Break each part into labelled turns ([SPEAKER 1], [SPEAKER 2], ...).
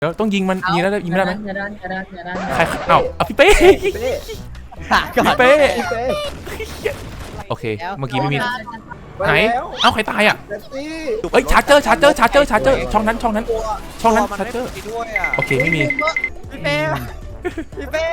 [SPEAKER 1] เดี๋ยวต้องยิงมันยิงแล้วยิงไม่ได้ไหม
[SPEAKER 2] อย่าดัน
[SPEAKER 1] ใครเอ้าพี่เป้ พี่เป้โอเคเมื่อกี้ไม่มีไหนเอ้าใครตายอ่ะเอ้ยชาร์เจอร์ช่องนั้นชาร์เจอร์โอเคไม่มี
[SPEAKER 3] พี่เป้พี่เป้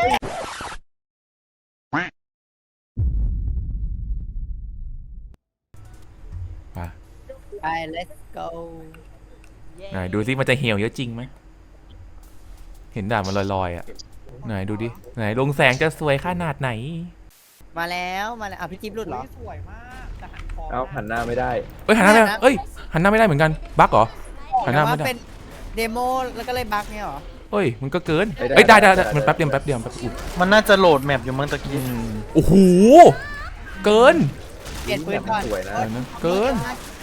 [SPEAKER 3] ไป let's go
[SPEAKER 1] ไหนดูซิมันจะเหี่ยวเยอะจริงไหมเห็นด่านมันลอยๆอ่ะไหนดูดิไหนลงแสงจะสวยขนาดไหน
[SPEAKER 3] มาแล้วอ่ะพี่จิ๊บหลุดเหรอสวยมาก
[SPEAKER 4] เอาหันหน้าไม่ได้
[SPEAKER 1] เอ้ยหันหน้าไม่ได้เอ้ยหันหน้าไม่ได้เหมือนกันบั๊กเหรอหันหน้าไม่ได้
[SPEAKER 3] เป็นเดโมแล้วก็เลยบั๊กเนี่ยเหรอ
[SPEAKER 1] เฮ้ยมันก็เกินเอ้ยได้มันแป๊บเดียวอุ๊ย
[SPEAKER 5] มันน่าจะโหลดแมปอยู่มั้งตะกี้
[SPEAKER 1] โอ้โหเกิน
[SPEAKER 3] เปลี่ยนปืนก่อน
[SPEAKER 4] สวยนะ
[SPEAKER 1] เกิน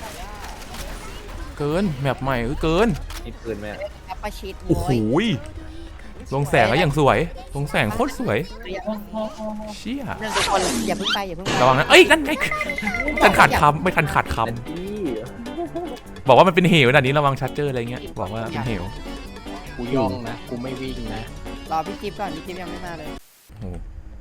[SPEAKER 1] แมปใหม่เกิน
[SPEAKER 4] มีปืนไหม
[SPEAKER 3] แอปเปิลชีต
[SPEAKER 1] โอ้โหลงแสงแล้วอย่างสวยลงแสงโคตรสวยเชี่ย
[SPEAKER 3] เรื่องทุกคนอย่าเพิ่งไประ
[SPEAKER 1] วังนะเอ้ยนั่นไงทันขาดคำไม่ทันขาดคำบอกว่ามันเป็นเหวด่านนี้ระวังชัดเจออะไรเงี้ยบอกว่าเป็นเหว
[SPEAKER 6] กูย่องนะกูไม่วิ่งนะ
[SPEAKER 3] รอพี่จิ๊บก่อนพี่จิ๊บยังไม่มาเลย
[SPEAKER 1] โอ้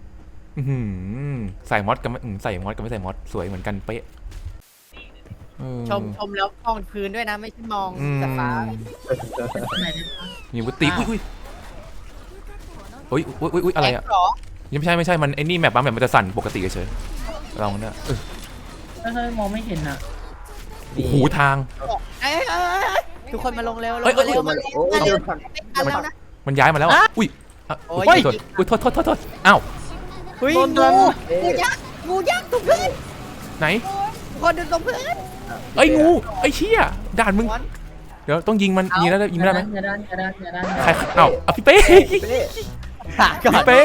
[SPEAKER 1] ใส่มอสกับใส่มอสกับไม่ใส่มอสสวยเหมือนกันเป๊ะ
[SPEAKER 3] ชมแล้วมองพื้นด้วยนะไม่ใช่มองจากฟ้า
[SPEAKER 1] มีวุฒิอุ้ยอะไรอ่ะยังไม่ใช่มันไอ้นี่แมปบางแมปมันจะสั่นปกติเฉยลองเนี่ย
[SPEAKER 2] ไม่มองไม่เห็นอ่ะ
[SPEAKER 1] โอ้โหทาง
[SPEAKER 3] ทุกคนมาลงเร็วลง
[SPEAKER 1] เอ้ย
[SPEAKER 3] มาเร็ว
[SPEAKER 4] โอ้ย
[SPEAKER 3] แล้วนะ
[SPEAKER 1] มันย้ายมาแล้วอุ้ยโทษอ้าว
[SPEAKER 3] เฮ้ยงูยักษ์ตรงพื้น
[SPEAKER 1] ไหน
[SPEAKER 3] คนเดินตรงพื้น
[SPEAKER 1] เอ้ยงูไอ้เชี่ยด่านมึงเดี๋ยวต้องยิงมันยิงแล้วยิงไม่ได้ไหม
[SPEAKER 2] อย่าดัน
[SPEAKER 1] ใครเอ้าพี่เป้
[SPEAKER 3] ก่อน
[SPEAKER 1] เป้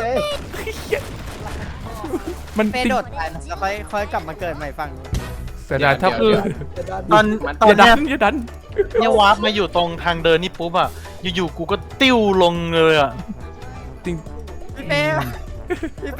[SPEAKER 1] มัน
[SPEAKER 3] เป้โดดไปแล้วค่อยกลับมาเกิดใหม่ฝั่ง
[SPEAKER 1] เสียดายถ้าคือ
[SPEAKER 5] ตอน
[SPEAKER 1] อย่าดั
[SPEAKER 5] เนี้
[SPEAKER 1] นอย่าดัน
[SPEAKER 5] เนี่ยวาร์ปมาอยู่ตรงทางเดินนี่ปุ๊บอ่ะอยู่ๆกูก็ติ้วลงเลยอ่ะ
[SPEAKER 1] จริง
[SPEAKER 3] พี่เป้พี่เป้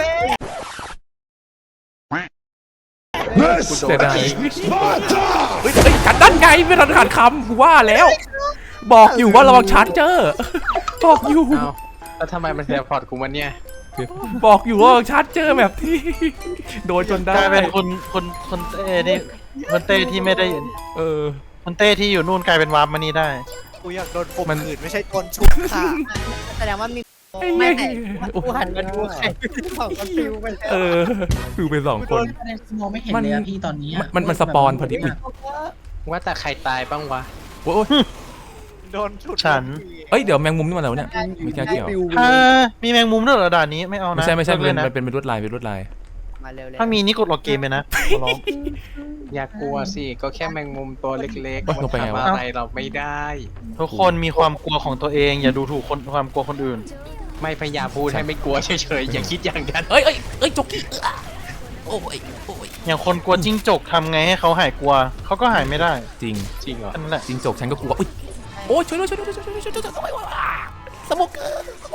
[SPEAKER 1] เสียดายเฮ้ยกันดันไงไม่ทันขาดคำกูว่าแล้ว บอกอยู่ว่าระวังชาร์จเจอร์บอกอยู่
[SPEAKER 6] เอ้าแล้วทำไมมันเสียพอร์ตกูมันเนี่ย
[SPEAKER 1] บอกอยู่ว่าชาร์จเจอร์แบบที่โดนจนได้
[SPEAKER 5] กลายเป็นคนเต้นี่คนเต้ที่ไม่ได้คนเต้ที่อยู่นู่นกลายเป็นวาร์ปมานี่ได้
[SPEAKER 3] กูอยากโดนข่มขืนไม่ใช่โดนชุบค่ะแสดงว่ามีไม่ไหนกูหันมาดูใครสองคนฟิวไปแล้ว
[SPEAKER 1] ฟิวไปสองคน
[SPEAKER 2] มองไม่เห็นเลยพี่ตอนนี้
[SPEAKER 1] มันสปอนพอดีอุ้ย
[SPEAKER 6] ว่าแต่ใครตายบ้างวะ
[SPEAKER 1] โอ้ย
[SPEAKER 3] โดนชุด
[SPEAKER 5] ฉัน
[SPEAKER 1] เอ้ยเดี๋ยวแมงมุมนี่มาแล้วเนี่ยไม่ใช่เกี่ยว
[SPEAKER 5] มีแมงมุมด้วยเหรอด่านนี้ไม่เอานะ
[SPEAKER 1] ไม่ใช่
[SPEAKER 5] เลยนะ
[SPEAKER 1] มันเป็นลวดลาย
[SPEAKER 3] มาเร็วๆ
[SPEAKER 5] ถ้ามีนี่กดล็อกเกมไปนะขอร้อง
[SPEAKER 6] อย่ากลัวสิก็แค่แมงมุมตัวเล็กๆ
[SPEAKER 1] ล
[SPEAKER 6] มัน
[SPEAKER 1] งไปไง
[SPEAKER 6] ทำ
[SPEAKER 1] วะ
[SPEAKER 6] อะไรเราไม่ได้
[SPEAKER 5] ทุกคนมีความกลัวของตัวเองอย่าดูถูกความกลัวคนอื่น
[SPEAKER 6] ไม่พยายามพูดให้ไม่กลัวเฉยๆอย่าคิดอย่างนั้น
[SPEAKER 1] เอ้ยจ็อกกี้โอ้ย
[SPEAKER 5] อย่างคนกลัวจิ้งจกทำไงให้เขาหายกลัวเขาก็หายไม่ได้
[SPEAKER 1] จริง
[SPEAKER 6] จริงเหรอ
[SPEAKER 5] นั่นแหละ
[SPEAKER 1] จริงจกฉันก็กลัวอุ้ยโอ้ยช่วยด้วยสโมกเกอร์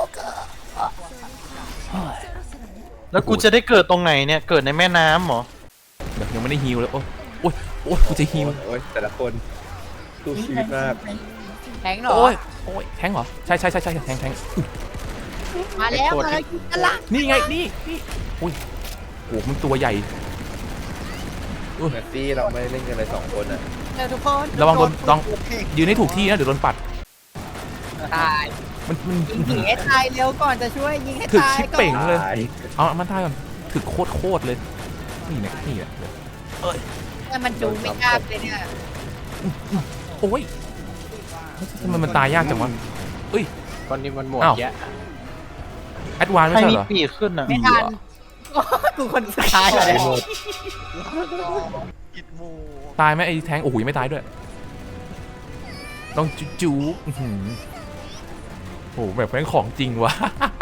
[SPEAKER 5] แล้วกูจะได้เกิดตรงไหนเนี่ยเกิดในแม่น้ำเหรอ
[SPEAKER 1] เดี๋ยวยังไม่ได้ฮิวเลยโอ้ยกูจะฮิว
[SPEAKER 4] โอ้ยแต่ละคนสู้ชีวิตมาก
[SPEAKER 3] แทงเหรอ
[SPEAKER 1] โอ้ยแทงเหรอใช่แทง
[SPEAKER 3] มาแล้วกันละ
[SPEAKER 1] นี่ไงนี่อุ้ยโอ้มันตัวใหญ่
[SPEAKER 4] แมตตี้เราไม่ได้เล่นกันเลย2 คนอ่ะ
[SPEAKER 3] เร็วทุกคน
[SPEAKER 1] ระวังโดนต้องยืนให้ถูกที่นะเดี๋ยวโดนปัด
[SPEAKER 3] ตาย
[SPEAKER 1] มัน
[SPEAKER 3] ยิงให้ตายเร็วก่อนจะช่วยยิงให้
[SPEAKER 1] ถึก
[SPEAKER 3] ตาย
[SPEAKER 1] ชิป
[SPEAKER 3] ก่อ
[SPEAKER 1] เป่ง
[SPEAKER 3] น
[SPEAKER 1] เลยเอามันได้ก่อนถึกโคตรเลยนี่แหละ
[SPEAKER 3] แต่มันจูงไม่กล้าเลยเนี่ย
[SPEAKER 1] โอ้ยทำไมมันตายยากจังวะเอ้ย
[SPEAKER 6] ตอนนี้มันหมดแยะ
[SPEAKER 1] แอดวานไม่
[SPEAKER 5] ใคร
[SPEAKER 1] ใช่
[SPEAKER 5] มี
[SPEAKER 1] เหรอ
[SPEAKER 5] ปีกขึ้นอ่ะ
[SPEAKER 3] ไม่ทันกูคนสุดท้ายเลย
[SPEAKER 1] ตายไหมไอ้แทงโอ้โหไม่ตายด้วยต้องจูโอ้โหแบบแม่งของจริงวะ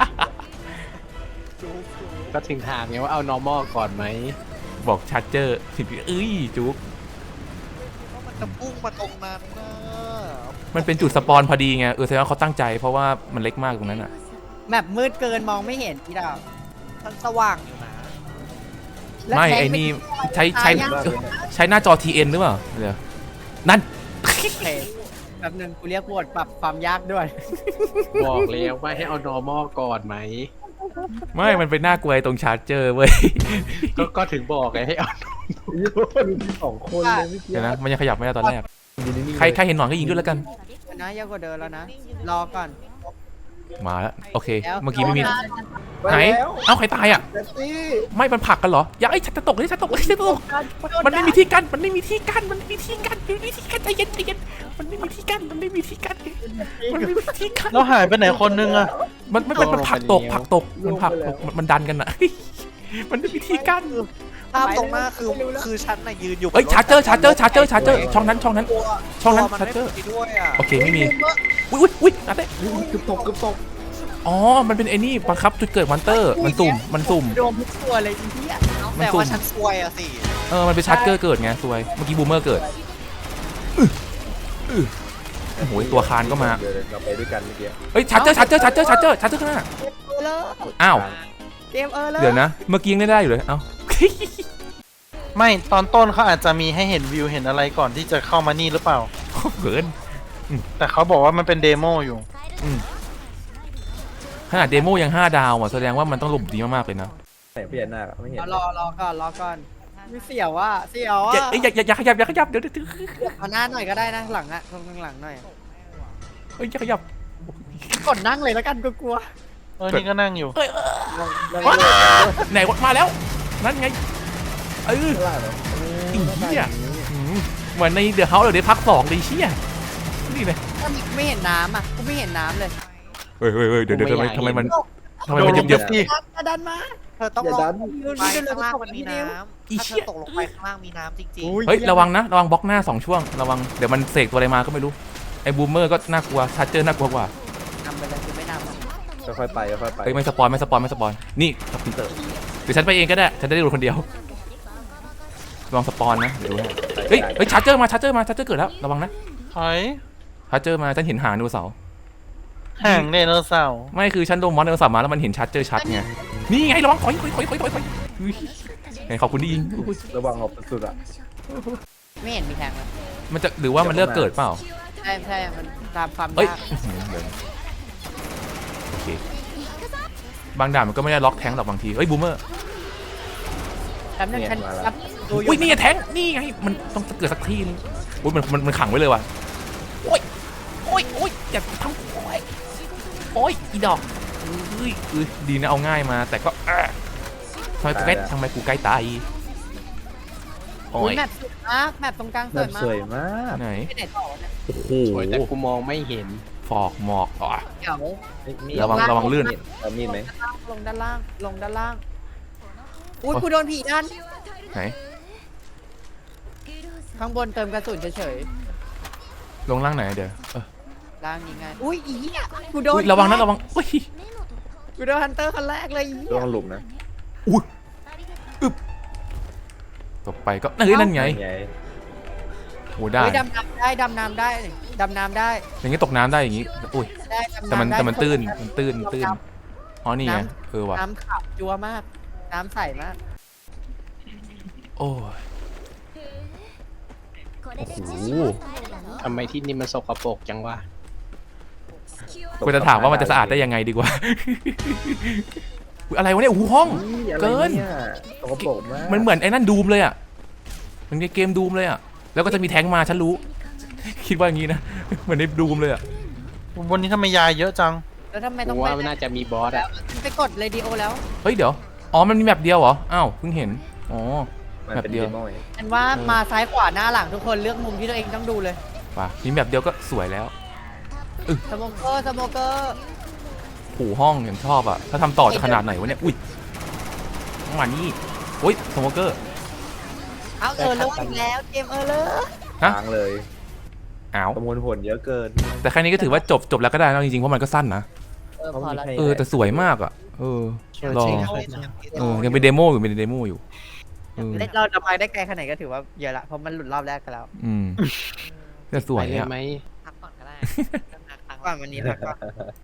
[SPEAKER 6] ก็ถึงถามไงว่าเอา normal ก่อนไหม
[SPEAKER 1] บอกชาร์เจอร์สิเอ้ยจุ๊ก
[SPEAKER 3] มันจะพุ่งมาตรงนั้นนะ
[SPEAKER 1] มันเป็นจุดสปอนพอดีไงแสดงว่าเขาตั้งใจเพราะว่ามันเล็กมากตรงนั้นอ่ะ
[SPEAKER 3] แบบมืดเกินมองไม่เห็นพี่ดาวมันสว่างอยู่นะ
[SPEAKER 1] ไม่ไอ้นี่ใช้หน้าจอ TN หรือเปล่าเดี๋ยวนั่น
[SPEAKER 3] โอเคแบบนึงกูเรียกบทปรับความยากด้วย
[SPEAKER 6] บอกแล้วว่าให้เอา normal ก่อนไหม
[SPEAKER 1] ไม่มันเป็นหน้ากลัวตรงชาร์จเจอร์เว้ย
[SPEAKER 6] ก็ถึงบอกไงให้เอา
[SPEAKER 4] มีสองคนเลยเมื่อกี้
[SPEAKER 1] เดี๋ยวนะมันยังขยับไม่ได้ตอนแรกใครเห็นหนอนก็ยิงด้วยแล้วกัน
[SPEAKER 3] นะยากกว่าเดิมแล้วนะ รอก่อน
[SPEAKER 1] มาแล้วโอเค
[SPEAKER 3] แล้ว
[SPEAKER 1] เมื่อกี้ไม่มี
[SPEAKER 3] ร
[SPEAKER 1] ไหนเอ้าใครตายอ่ะ
[SPEAKER 4] เจสซี่
[SPEAKER 1] ไม่มันผลักกันเหรออย่าไอ้ฉันจะตกเลยฉันตกเลยฉันจะตกมันไม่มีที่กั้นมันไม่มีที่กั้นมันไม่มีที่กั้นมันไม่มีที่กั้นใจเย็นใจเย็นมันไม่มีที่กั้นมันไม่มีที่กั้นมันไม่มีที่กั้น
[SPEAKER 5] แล้วหายไปไหนคนนึงอะ
[SPEAKER 1] มันผลักตกมันผลักตกมันดันกันอะมันไม่มีที่กั้น
[SPEAKER 3] ภาพตรงหน้าคือฉันน่ะยืนอยู่
[SPEAKER 1] เอ้ยชาร์เจอร์ช่องนั้นช่องนั้นชาร์เจอร์
[SPEAKER 3] ด้วยอ่ะ
[SPEAKER 1] โอเคไม่มีอุ้ยนัดเต้
[SPEAKER 4] เกือบตก
[SPEAKER 1] อ๋อมันเป็นไอ้นี่บังคับจุดเกิดมอนเตอร์มันสุ่ม
[SPEAKER 3] โดนทุกตัวเลยทีเนี้ย
[SPEAKER 1] มัน
[SPEAKER 3] แต่
[SPEAKER 1] สุ่ม
[SPEAKER 3] ว่าฉันซวยอ่ะสิ
[SPEAKER 1] มันเป็นชาร์เจอร์เกิดไงซวยเมื่อกี้บูมเมอร์เกิดโอ้โหตัวคานก็มา
[SPEAKER 4] เดี๋ยวเราไปด้วยกันเมื่อกี้
[SPEAKER 1] เฮ้ยชาร์เจอร์ข้างหน้า
[SPEAKER 3] เลย
[SPEAKER 1] อ้าว
[SPEAKER 3] เกมเลย
[SPEAKER 1] เดี๋ยวนะเมื่อกี้ยังได้อยู่เลยเอ้า
[SPEAKER 5] ไม่ตอนต้นเขาอาจจะมีให้เห็นวิวเห็นอะไรก่อนที่จะเข้ามานี่หรือเปล่า
[SPEAKER 1] เกิน
[SPEAKER 5] แต่เขาบอกว่ามันเป็นเดโมอยู่
[SPEAKER 1] ขนาดเดโมยัง5 ดาวอ่ะแสดงว่ามันต้องหลบดีมากๆเลยนะ
[SPEAKER 4] แต่พี่แอนนาไม่เห็น
[SPEAKER 3] รอก่อนไม่เสียวอ่ะ
[SPEAKER 1] อย่าขยับเดี๋ยว
[SPEAKER 3] เอาหน้าหน่อยก็ได้นะหลังอ่ะตรงหลังหน่อย
[SPEAKER 1] เฮ้ยอย่าขยับ
[SPEAKER 3] กดนั่งเลยแล้วกันกลัว
[SPEAKER 5] นี่ก็นั่งอยู่
[SPEAKER 1] ไหนมาแล้วนั่นไง
[SPEAKER 4] ข้างล่างเหรอ
[SPEAKER 1] อีเหี้ยเหมือนในเดอะเฮาส์เดี๋ยวพัก2เลยเชี่ยนี่เลย
[SPEAKER 3] ๆไม่เห็นน้ำอ่ะกูไม่เห็นน้ำเลย
[SPEAKER 1] เฮ้ยเดี๋ยวทำไมมันเยอะ
[SPEAKER 3] ดันมาเธอต้อง
[SPEAKER 4] อย่า
[SPEAKER 3] ล
[SPEAKER 4] ดัน
[SPEAKER 3] ไปข้างล่างมันมีน้ำ
[SPEAKER 1] อี
[SPEAKER 3] ถ้าเธ
[SPEAKER 1] เชี่
[SPEAKER 3] อย ตกลงไปข้างล่างมีน้ำจริง
[SPEAKER 1] เฮ้ยระวังบล็อกหน้า2 ช่วงระวังเดี๋ยวมันเสกตัวอะไรมาก็ไม่รู้ไอ้บูมเมอร์ก็น่ากลัวชาร์เจอร์น่ากลัวกว่า
[SPEAKER 3] ๆนำไปเลยคือไม่นำ
[SPEAKER 4] ค่อยๆไป
[SPEAKER 1] เฮ้ยไม่สปอยนี่สปินเตอร์เดี๋ยวฉันไปเองก็ได้ฉันจะได้ดูคนเดียวลองสปอนนะเดี๋ยวดูนะเฮ้ยชาร์เจอร์มาชาร์เจอร์เกิดแล้วระวังนะ
[SPEAKER 5] ถอย
[SPEAKER 1] ชาร์เจอร์มาฉันเห็นหางไดโนเสาร์
[SPEAKER 5] ห่างไดโนเสาร์
[SPEAKER 1] ไม่คือฉันโดนมอนไดโนเสาร์มาแล้วมันเห็นชาร์เจอร์ชัดไงนี่ไงระวังถอยไงขอบคุณที่ยิง
[SPEAKER 4] ระวังออกสุดอ่ะ
[SPEAKER 3] ไม่เห็นมีแทงเลย
[SPEAKER 1] มันจะหรือว่ามันเลือกเกิดเปล่า
[SPEAKER 3] ใช่มันตามความ
[SPEAKER 1] เอ้ย
[SPEAKER 3] ยาก
[SPEAKER 1] โอเคบางด่านมันก็ไม่ได้ล็อกแทงหรอกบางทีเอ้ยบูมเมอร์
[SPEAKER 3] แป๊บนึงฉันรับดูอยู่
[SPEAKER 1] อุ้ยนี่ไงแทงนี่ไงมันต้องเกิดสักทีนึงอุ้ยมันขังไว้เลยว่ะโอ้ยอย่าทำโอ้ยอีดอกดีนะเอาง่ายมาแต่ก็ทำไมกูใกล้ตายโอ้
[SPEAKER 3] อุ๊
[SPEAKER 1] ย
[SPEAKER 3] ยแมปสวยมากแมปตรงกลางส
[SPEAKER 4] แบ
[SPEAKER 3] วย
[SPEAKER 4] บ
[SPEAKER 3] มาก
[SPEAKER 4] สวยมาก
[SPEAKER 1] ไหน
[SPEAKER 3] ไปไหนต่อเนี่ย
[SPEAKER 1] โอ้โห
[SPEAKER 6] สวยแต่กูมองไม่เห็น
[SPEAKER 1] ฟอกหมอกอ๋อ
[SPEAKER 3] เดี๋ยว
[SPEAKER 1] ระวังลื่น
[SPEAKER 4] เอามีดไหม
[SPEAKER 3] ลงด้านล่างอุ้ยกูโดนผีดัน
[SPEAKER 1] ไหน
[SPEAKER 3] ข้างบนเติมกระสุนเฉย
[SPEAKER 1] ลงล่างไหนเดี๋ยว
[SPEAKER 3] ๆล่างนี้ไงอุ้ยอีเหี้ยกูโดน
[SPEAKER 1] ระวังนะระวังอุ้ย
[SPEAKER 3] กูโดนฮันเตอร์คนแรกเลยอี
[SPEAKER 4] ระ
[SPEAKER 3] เหี้ย
[SPEAKER 4] วังหลุมนะ
[SPEAKER 1] ตกไปก็นั่นไง
[SPEAKER 4] ไง
[SPEAKER 1] โอ้ได้
[SPEAKER 3] เฮ้ยดำน้ำได้ดำน้ำได้
[SPEAKER 1] อย่างงี้ตกน้ำได้อย่างงี้อุ้ย
[SPEAKER 3] ได้ดำ
[SPEAKER 1] แต่มัน
[SPEAKER 3] น้ำได้
[SPEAKER 1] ตื้นอ๋อนี่ไงว่ะ
[SPEAKER 3] น้ำขาวจัวมากน้ำใสมาก
[SPEAKER 1] โอ้ยโอ้โห
[SPEAKER 6] ทำไมที่นี่มันสกปรกจังวะ
[SPEAKER 1] กูจะถามว่ามันจะสะอาดได้ยังไงดีกว่า อุ๊ยอะไรวะเนี่ยโอ้โหห้อง เกิน
[SPEAKER 4] ตกปรกมาก
[SPEAKER 1] มันเหมือนไอ้นั่นดูมเลยอ่ะมันในเกมดูมเลยอ่ะแล้วก็จะมีแท้งมาฉันรู้ คิดว่าอย่างงี้นะเหมือนในดูมเลยอ่ะ
[SPEAKER 5] บนนี้ทำไมยาเยอะจัง
[SPEAKER 3] แล้วทำไมต้อ
[SPEAKER 6] กู
[SPEAKER 3] ง
[SPEAKER 6] ว่า
[SPEAKER 3] ไป
[SPEAKER 6] น่าจะมีบอสอะ
[SPEAKER 3] ไปกดเรดิโอแล้ว
[SPEAKER 1] เฮ้ยเดี๋ยวอ๋อมันมีแบบเดียวเหรออ้าวเพิ่งเห็นอ๋อ
[SPEAKER 4] มัน
[SPEAKER 1] แบบ
[SPEAKER 4] เป็น
[SPEAKER 1] เดียว
[SPEAKER 4] เดโมไง
[SPEAKER 3] ฉันว่ามาซ้ายขวาหน้าหลังทุกคนเลือกมุมที่ตัวเองต้องดูเลย
[SPEAKER 1] ป่ะมีแบบเดียวก็สวยแล้ว
[SPEAKER 3] สโมเกอร์
[SPEAKER 1] โอ้โหห้องอย่างชอบอ่ะถ้าทำต่อจะขนาดไหนวะเนี่ยอุ้ยมานี่โอ้ยสโมเกอร์
[SPEAKER 3] เอาเลออีกแล้วเกมเลอ
[SPEAKER 1] ฮะ
[SPEAKER 4] ทางเลย
[SPEAKER 1] อ้าว
[SPEAKER 4] ประมวลผลเยอะเกิน
[SPEAKER 1] แต่แค่นี้ก็ถือว่าจบแล้วก็ได้แล้วจริงๆเพราะมันก็สั้นนะ
[SPEAKER 3] พอแล้ว
[SPEAKER 1] แต่สวยมากอ่ะลองยังเป็นเดโมอยู่เออ
[SPEAKER 3] เราจะไปได้ไกลขนาดไหนก็ถือว่าเยอะละเพราะมันหลุดรอบแรกกันแล้ว
[SPEAKER 1] แต่สวย
[SPEAKER 6] ไปเลย
[SPEAKER 1] อ่ะ
[SPEAKER 6] ไหม
[SPEAKER 3] พักก่อนก็ได้พักก่อนวันนี้พักก่อน